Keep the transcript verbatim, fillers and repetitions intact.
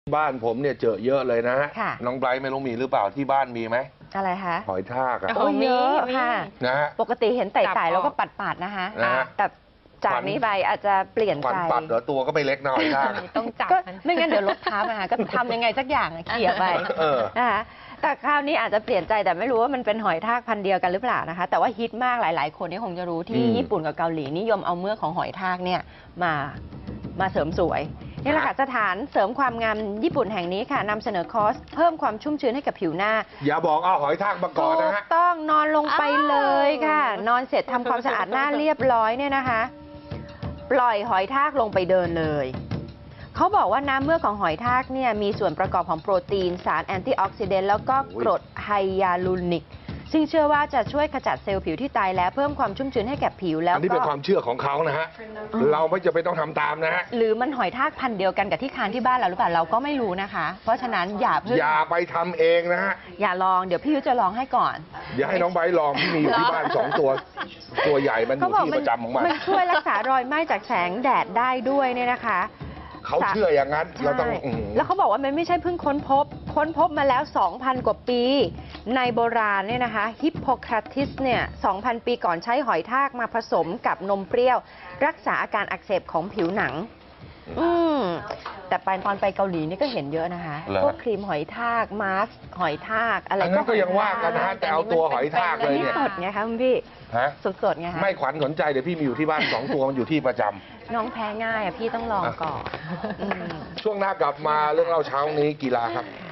บ้านผมเนี่ยเจอเยอะเลยนะฮะ น้องไบรท์ไม่รู้มีหรือเปล่าที่บ้านมีไหมอะไรคะหอยทากอะโอ้เยอะค่ะนะฮะปกติเห็นไต่ๆแล้วก็ปัดๆนะคะแต่จากนี้ไปอาจจะเปลี่ยนใจปัดเหรอตัวก็ไม่เล็กหน่อยทากต้องจับไม่งั้นเดี๋ยวลดทับนะคะก็ทำยังไงสักอย่างเขี่ยไปนะคะแต่คราวนี้อาจจะเปลี่ยนใจแต่ไม่รู้ว่ามันเป็นหอยทากพันธุ์เดียวกันหรือเปล่านะคะแต่ว่าฮิตมากหลายๆคนนี่คงจะรู้ที่ญี่ปุ่นกับเกาหลีนิยมเอาเมือกของหอยทากเนี่ยมามาเสริมสวยนี่แหละค่ะสถานเสริมความงามญี่ปุ่นแห่งนี้ค่ะนำเสนอคอร์สเพิ่มความชุ่มชื้นให้กับผิวหน้าอย่าบอกเอาหอยทากมาก่อนนะฮะต้องนอนลงไปเลยค่ะนอนเสร็จทำความสะอาดหน้าเรียบร้อยเนี่ยนะคะปล่อยหอยทากลงไปเดินเลยเขาบอกว่าน้ำเมือกของหอยทากเนี่ยมีส่วนประกอบของโปรตีนสารแอนตี้ออกซิเดนต์แล้วก็กรดไฮยาลูริกซึ่งเชื่อว่าจะช่วยขจัดเซลล์ผิวที่ตายแล้วเพิ่มความชุ่มชื้นให้แก่ผิวแล้วอันนี้เป็นความเชื่อของเขานะฮะเราไม่จะไปต้องทำตามนะฮะหรือมันหอยทากพันธุ์เดียวกันกับที่คานที่บ้านเราหรือเปล่าเราก็ไม่รู้นะคะเพราะฉะนั้นอย่าเพิ่งอย่าไปทำเองนะฮะอย่าลองเดี๋ยวพี่ยุ้ยจะลองให้ก่อนอย่าให้น้องไบร์ทลองที่มีอยู่ที่บ้านสองตัวตัวใหญ่มันอยู่ที่ประจำของมันมันช่วยรักษารอยไหม้จากแสงแดดได้ด้วยเนี่ยนะคะเขาเชื่ออย่างนั้นเราต้องแล้วเขาบอกว่ามันไม่ใช่เพิ่งค้นพบค้นพบมาแล้ว สองพัน กว่าปีในโบราณเนี่ยนะคะฮิปโปคราติสเนี่ย สองพัน ปีก่อนใช้หอยทากมาผสมกับนมเปรี้ยวรักษาอาการอักเสบของผิวหนังอืมแต่ไปตอนไปเกาหลีนี่ก็เห็นเยอะนะคะพวกครีมหอยทากมาสก์หอยทากอะไรก็ยังว่ากันนะฮะแต่เอาตัวหอยทากเลยเนี่ยสดไงคะคุณพี่สดๆไงคะไม่ขวัญสนใจเดี๋ยวพี่มีอยู่ที่บ้านสองตัวมันอยู่ที่ประจำน้องแพ้ง่ายอ่ะพี่ต้องลองก่อนช่วงหน้ากลับมาเรื่องเล่าเช้านี้กีฬาครับ